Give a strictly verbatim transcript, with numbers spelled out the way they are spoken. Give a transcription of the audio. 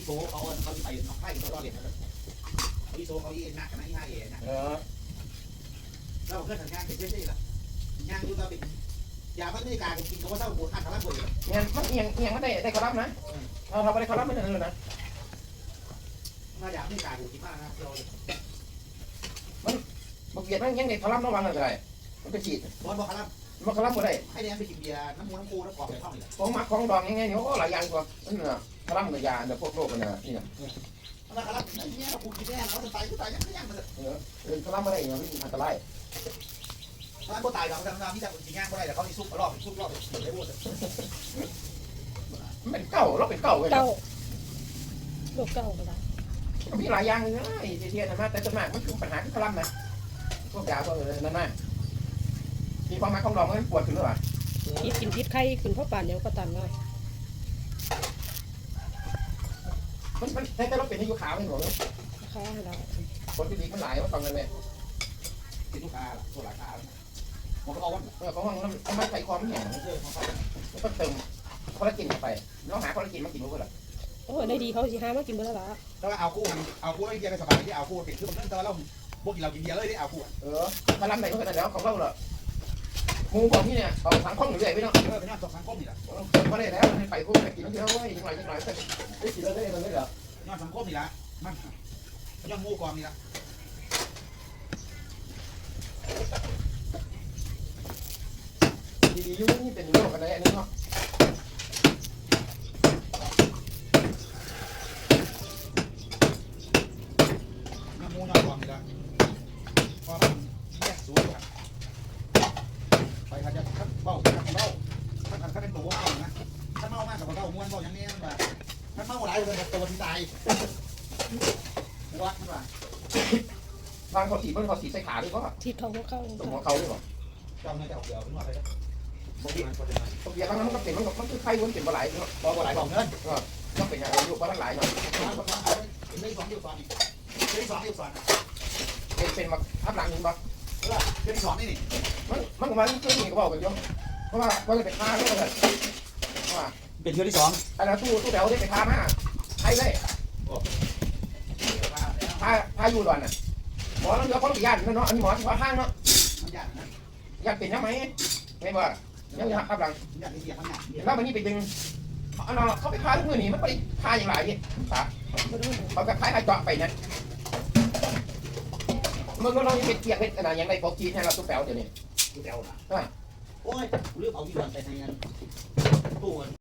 โซ่เขาเขาไปน้องไผ่เขาตอนเรียนนะอีโซ่เขาอีนักขนาดนี้ห้าเอ๋นะเราเพื่อนทำงานเป็นเช่นนี้แหละงานดูเราเป็นยาพัฒนาการกินเขาว่าเศร้าปวดขันทำร้ายปวดเนี่ยมันเอียงเอียงไม่ได้ได้คอลัมน์นะเราทำอะไรคอลัมน์ไม่ได้เลยนะถ้ายาพัฒนาการกินมากนะเรามันมันเบียดมันยังได้คอลัมน์ระวังอะไรมันไปฉีดบอลบอกครับมันคอลัมน์ไม่ได้ให้เนี่ยไปกินเบียร์น้ำมูน้ำปูน้ำกรอบในห้องนี่ของหมักของดองยังไงเนี่ยโอ้หลายอย่างกว่านั่นน่ะคอลัมน์กับยาเดี๋ยวพวกโรคกันนะนี่นะแล้วครับเนี่ยเราปูกินแน่เราจะตายก็ตายยังยังมันเออเออคอลัมน์ไม่ได้เนี่ยมันอันตรายถ้าก็ตายเราทำงานที่จะกินง่ายก็ได้แต่เขาที่ซุปรอบซุปรอบได้หมดเป็นเก่าเราเป็นเก่าเลยเก่าโรคเก่าก็ได้มีหลายอย่างเลยนะไอ้เทียนนะแต่ส่วนมากมันคือปัญหาที่คอลัมน์นะพวกยาพวกนั่นน่ะมีความหมายของดองมันปวดถึงหรือเปล่าพิษกินพิษไข้ขึ้นเพราะป่านเดียวก็ตันเลยมันมันแต่เราเป็นอายุขาวไม่หมดเลยข้าเราคนที่ดีมันหลายว่าฟังกันเลยกินลูกค้าตัวหลายค้ามันก็เอาว่าเออของมันมันใส่ความแข็งเออมันก็เติมคอลลาเจนเข้าไปเราหาคอลลาเจนมากินรู้ป่ะล่ะโอ้ได้ดีเขาสิหามากินเบอร์ละแต่ว่าเอาคู่เอาคู่ไม่เบียร์ในสบายที่เอาคู่ติดคือมันแต่ว่าเราพวกกินเรากินเบียร์เลยที่เอาคู่เออถ้าล้ำไหนก็ขนาดแล้วของเราเหรองูบอกที่เนี่ยเอาถังข้องอยู่เลยไม่ต้องเออเป็นน้ำตกสังคมนี่แหละก็ได้แล้วให้ไปคู่ไปกินเยอะเว้ยยังไงยังไงก็ได้กินแล้วได้เลยเหรอน้ำสังคมนี่แหละมันย่อมงูกองนี่แหละดีๆยุ่งนี่เป็นโรคอะไรอันนี้เนาะน้ำมูน้ำกองนี่แหละพอมันแยกสูงไปขัดจะขัดเบ้าขัดเบ้าขัดขัดขัดเป็นตัวเบ้านะขัดเมามากกับเบ้าม้วนเบ้าอย่างนี้แบบขัดเมาหลายเลยตัวที่ตายวัดว่าบางเขาสีมันเขาสีใส่ขาด้วยก็ทีเขาหัวเข้าตรงหัวเขาด้วยป่ะจำในแต่เดียวเป็นว่าอะไรนะบางทีมันเป็นอะไรตรงเดียวบางนั้นมันก็เป็นมันมันคือไข้วนเป็นปลาไหลเนาะปลาไหลบอกเงินก็ต้องเป็นอย่างไรอยู่ปลาไหลเนาะไม่สองเดียวสองอีกไม่สองเดียวสองเป็นเป็นมาทับหลังนึงป่ะเออเป็นสองนี่นี่มันมันมันเคยมีก็บอกกันเยอะเพราะว่าว่าจะไปฆ่าด้วยกันว่าเป็นเที่ยวที่สองอันนั้นตู้ตู้แถวได้ไปฆ่ามาใครเลยพาพาอยู่ด่วนน่ะหมอแล้วเดี๋ยวเขาต้องไปย่านเนาะอันนี้หมอที่ว่าห้างเนาะย่านนะย่านเป็นยังไงไม่ว่ายังยังทับหลังย่านนี่เสียมันย่านแล้วมันนี่ไปดึงเขาเขาไปฆ่าทุกมือนี่มันไปฆ่าอย่างไรนี่ขาเขาก็คล้ายๆเจาะไปเนี่ยเมื่อเราเป็นเกียร์เป็นอะไรอย่างไรปกติเนี่ยเราตู้แถวเดี๋ยวนี้ตู้แถวนะโอ้ยเรื่องเอาที่ด่วนไปในงาน